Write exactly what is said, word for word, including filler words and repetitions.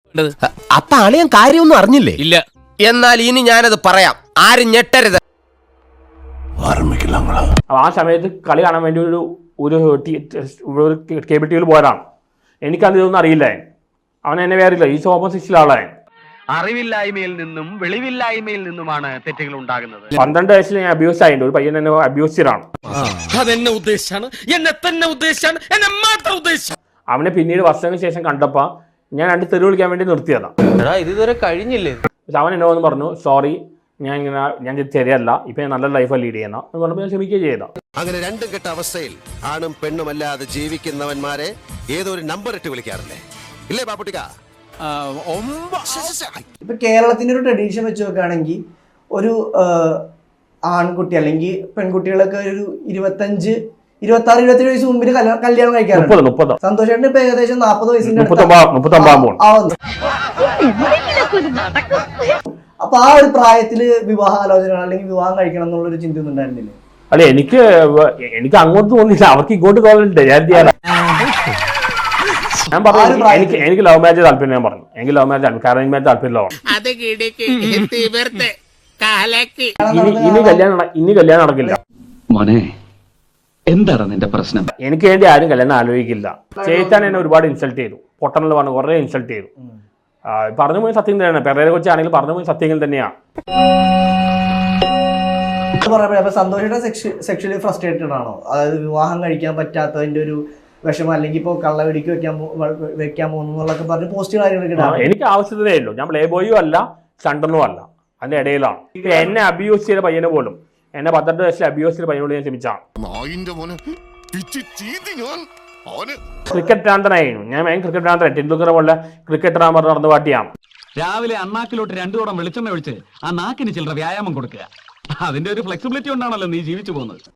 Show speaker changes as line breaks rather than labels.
അപ്പൊ അളിയൻ കാര്യമൊന്നും അറിഞ്ഞില്ലേ?
ഇല്ല.
എന്നാൽ ഇനി ഞാനത് പറയാം, ആരും ഞെട്ടരുത്.
ആ സമയത്ത് കളി കാണാൻ വേണ്ടി ഒരു ഒരു കേബിൾ ടി വിയിൽ പോയതാണ്. എനിക്കത് ഇതൊന്നും അറിയില്ലേ. അവൻ എന്നെ വേറില്ല, ഈ ഓപ്പൺ സിക്സിലെ ആളാണ്.
അറിവില്ലായ്മയിൽ നിന്നും വെളിവില്ലായ്മയിൽ നിന്നുമാണ് തെറ്റുകൾ ഉണ്ടാകുന്നത്.
പന്ത്രണ്ട് വയസ്സിൽ ഞാൻ അബ്യൂസ് ആയിട്ടുണ്ട്. ഒരു പയ്യൻ എന്നെ അബ്യൂസറാണ്.
അതെന്നെ ഉദ്ദേശിച്ചാണ്, എന്നെ തന്നെ ഉദ്ദേശിച്ചാണ്, എന്നെ മാത്രം ഉദ്ദേശിച്ചു.
അവനെ പിന്നീട് വർഷങ്ങൾക്ക് ശേഷം കണ്ടപ്പോൾ ഞാൻ രണ്ട് തെറി വിളിക്കാൻ വേണ്ടി നിർത്തിയതാണ്.
ഇതുവരെ കഴിഞ്ഞില്ലേ?
അവൻ എന്നോ എന്ന് പറഞ്ഞു, സോറി, ഞാൻ ഇങ്ങനെ ഞാൻ ശരിയല്ല, ഇപ്പൊ ഞാൻ നല്ല ലൈഫാണ് ലീഡ് ചെയ്യുന്ന എന്ന് പറഞ്ഞപ്പോൾ ഞാൻ ക്ഷമിക്കുകയും ചെയ്ത.
അങ്ങനെ രണ്ടും കെട്ട അവസ്ഥയിൽ ആണും പെണ്ണുമല്ലാതെ ജീവിക്കുന്നവന്മാരെ ഏതൊരു നമ്പർ ഇട്ട് വിളിക്കാറില്ലേ? ഇല്ലേ പാപ്പുട്ടിക്ക?
ഇപ്പൊ കേരളത്തിന്റെ ഒരു ട്രഡീഷൻ വെച്ച് നോക്കുകയാണെങ്കിൽ ഒരു ആൺകുട്ടി അല്ലെങ്കിൽ പെൺകുട്ടികളൊക്കെ ഒരു ഇരുപത്തഞ്ച് ഇരുപത്തി ആറ് ഇരുപത്തേഴ് വയസ്സ് മുമ്പിൽ കല്യാണം കഴിക്കാറുണ്ട്. സന്തോഷേട്ടന് ഇപ്പൊ ഏകദേശം നാപ്പത് വയസ്സിന്റെ അപ്പൊ ആ ഒരു പ്രായത്തില് വിവാഹാലോചന അല്ലെങ്കിൽ വിവാഹം കഴിക്കണം എന്നുള്ള ഒരു ചിന്ത ഒന്നും ഉണ്ടായിരുന്നില്ലേ?
അല്ലെ, എനിക്ക് എനിക്ക് അങ്ങോട്ട് തോന്നില്ല, അവർക്ക് ഇങ്ങോട്ട് തോന്നില്ല. ഞാൻ ചെയ്യാനാ ഞാൻ പറഞ്ഞു, എനിക്ക് എനിക്ക് ലവ് മാരേജ് താല്പര്യം. ഞാൻ പറഞ്ഞു എനിക്ക് ലവ് മാരേജ് താല്പര്യം, അറേഞ്ച് മാരേജ് താല്പര്യമില്ല. ഇനി കല്യാണം ഇനി കല്യാണം നടക്കില്ല.
മോനെ, എന്താണ് നിന്റെ പ്രശ്നം?
എനിക്ക് വേണ്ടി ആരും കല്യാണം ആലോചിക്കില്ല. ചേച്ചാൻ എന്നെ ഒരുപാട് ഇൻസൾട്ട് ചെയ്തു, പൊട്ടണെന്ന് പറഞ്ഞു കുറെ ഇൻസൾട്ട് ചെയ്തു. പറഞ്ഞു പോയി സത്യം തന്നെയാണ്. പെരേരെ കൊച്ചാണെങ്കിലും പറഞ്ഞു പോയി സത്യങ്ങൾ തന്നെയാണ്.
സന്തോഷയുടെ സെക്ഷലി ഫ്രസ്ട്രേറ്റഡ് ആണോ? അതായത് വിവാഹം കഴിക്കാൻ പറ്റാത്തതിന്റെ ഒരു വിഷമം, അല്ലെങ്കിൽ ഇപ്പോൾ കള്ളവെടിക്ക് വെക്കാൻ വെക്കാൻ പോകുന്നൊക്കെ പറഞ്ഞ് പോസ്റ്റ് കാര്യങ്ങളൊക്കെ
എനിക്ക് ആവശ്യത്തിനേ ഉള്ളൂ. ഞാൻ പ്ലേ ബോയും അല്ല സ്റ്റണ്ടൊന്നും അല്ല, അതിന്റെ ഇടയിലാണ്. എന്നെ അബ്യൂസ് ചെയ്ത പയ്യനെ പോലും, എന്നെ പന്ത്രണ്ട് വയസ്സിൽ അബ്യൂസ് ചെയ്ത പയ്യനോട് ഞാൻ ക്ഷമിച്ചാണ്. ക്രിക്കറ്റ് ഭ്രാന്തനായിരുന്നു ഞാൻ. ഞാൻ ക്രിക്കറ്റ് ഭ്രാന്തനായി. ടെണ്ടുൽക്കറെ പോലെ ക്രിക്കറ്റ് പറഞ്ഞ് നടന്ന് പാട്ടിയാണ്.
രാവിലെ അണ്ണാക്കിലോട്ട് രണ്ടു തോടം വെളിച്ചെണ്ണ ഒഴിച്ച് ആ നാക്കിന് ചില്ലറ വ്യായാമം കൊടുക്കുക. അതിന്റെ ഒരു ഫ്ലെക്സിബിലിറ്റി കൊണ്ടാണല്ലോ നീ ജീവിച്ചു പോകുന്നത്.